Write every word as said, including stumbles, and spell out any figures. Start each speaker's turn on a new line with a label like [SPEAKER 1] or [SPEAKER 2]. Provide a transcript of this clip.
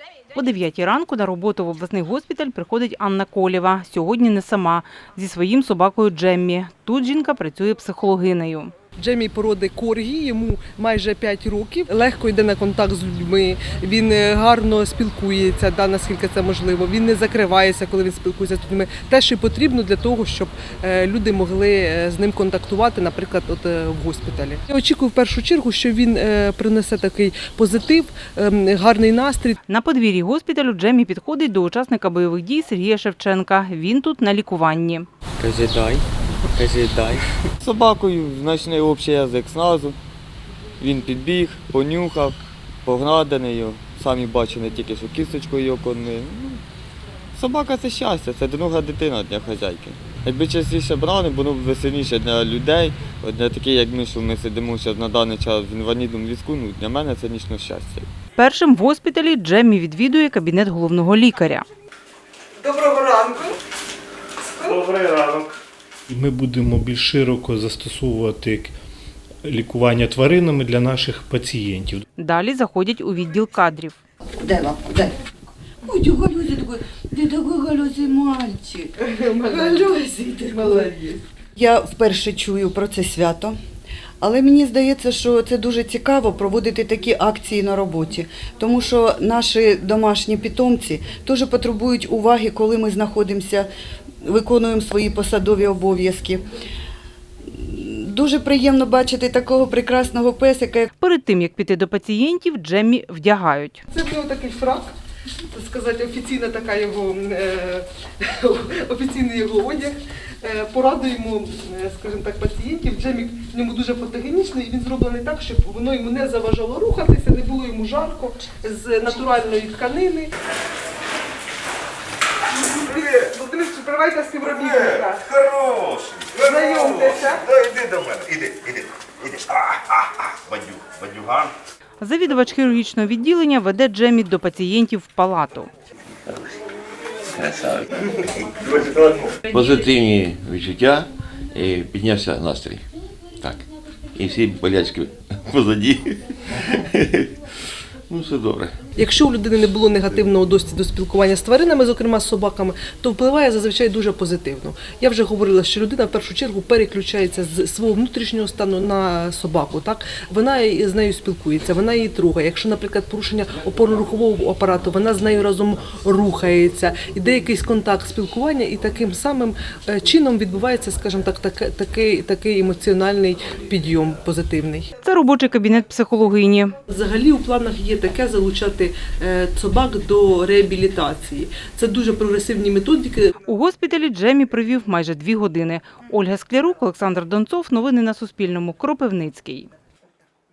[SPEAKER 1] О дев'ятій ранку на роботу в обласний госпіталь приходить Анна Колєва. Сьогодні не сама, зі своїм собакою Джеммі. Тут жінка працює психологинею.
[SPEAKER 2] Джеммі породи коргі, йому майже п'ять років, легко йде на контакт з людьми, він гарно спілкується, да, наскільки це можливо, він не закривається, коли він спілкується з людьми. Те, що потрібно для того, щоб люди могли з ним контактувати, наприклад, от в госпіталі. Я очікую в першу чергу, що він принесе такий позитив, гарний настрій.
[SPEAKER 1] На подвір'ї госпіталю Джеммі підходить до учасника бойових дій Сергія Шевченка. Він тут на лікуванні.
[SPEAKER 3] Кажи дай, кажи дай. З собакою знайшли общий язик зразу. Він підбіг, понюхав, погладений його. Самі бачили тільки, що кісточкою його кормили. Собака – це щастя, це друга дитина для хазяйки. Якби частіше брали, було б веселіше для людей. От для таких, як ми, що ми сидимо зараз на даний час в інвалідному візку, ну, для мене це дійсно щастя.
[SPEAKER 1] Першим в госпіталі Джеммі відвідує кабінет головного лікаря.
[SPEAKER 2] Доброго ранку.
[SPEAKER 4] Добрий ранок. Ми будемо більш широко застосовувати лікування тваринами для наших пацієнтів.
[SPEAKER 1] Далі заходять у відділ кадрів.
[SPEAKER 5] Дай лапку, дай. Ой, ты Галёзий такой, ты такой Галёзий мальчик. Галёзий ты молодець. Я вперше чую про це свято, але мені здається, що це дуже цікаво проводити такі акції на роботі, тому що наші домашні питомці теж потребують уваги, коли ми знаходимося, виконуємо свої посадові обов'язки. Дуже приємно бачити такого прекрасного песика.
[SPEAKER 1] Перед тим, як піти до пацієнтів, Джеммі вдягають.
[SPEAKER 2] Це в нього такий фрак, так сказати, офіційна така його, е, офіційний його одяг. Е, порадуємо, скажімо так, пацієнтів. Джеммі в ньому дуже фотогенічний, і він зроблений так, щоб воно йому не заважало рухатися, не було йому жарко, з натуральної тканини. Володимир, привайте співробітника.
[SPEAKER 6] Хороший.
[SPEAKER 2] Знайомтеся.
[SPEAKER 6] Да, іди до мене. Іди, іди, іди. А, а, а, бадю, бадюган.
[SPEAKER 1] Завідувач хірургічного відділення веде Джеммі до пацієнтів в палату.
[SPEAKER 7] Позитивні відчуття і піднявся настрій. Так. І всі болячки позаді. Ну, все добре.
[SPEAKER 2] Якщо у людини не було негативного досвіду спілкування з тваринами, зокрема з собаками, то впливає зазвичай дуже позитивно. Я вже говорила, що людина в першу чергу переключається з свого внутрішнього стану на собаку. Так? Вона з нею спілкується, вона її трогає. Якщо, наприклад, порушення опорно-рухового апарату, вона з нею разом рухається, іде якийсь контакт спілкування, і таким самим чином відбувається, скажімо так, так такий, такий емоціональний підйом позитивний.
[SPEAKER 1] Це робочий кабінет психологині.
[SPEAKER 2] Взагалі у планах є таке залучати собак до реабілітації. Це дуже прогресивні методики.
[SPEAKER 1] У госпіталі Джеммі провів майже дві години. Ольга Склярук, Олександр Донцов. Новини на Суспільному. Кропивницький.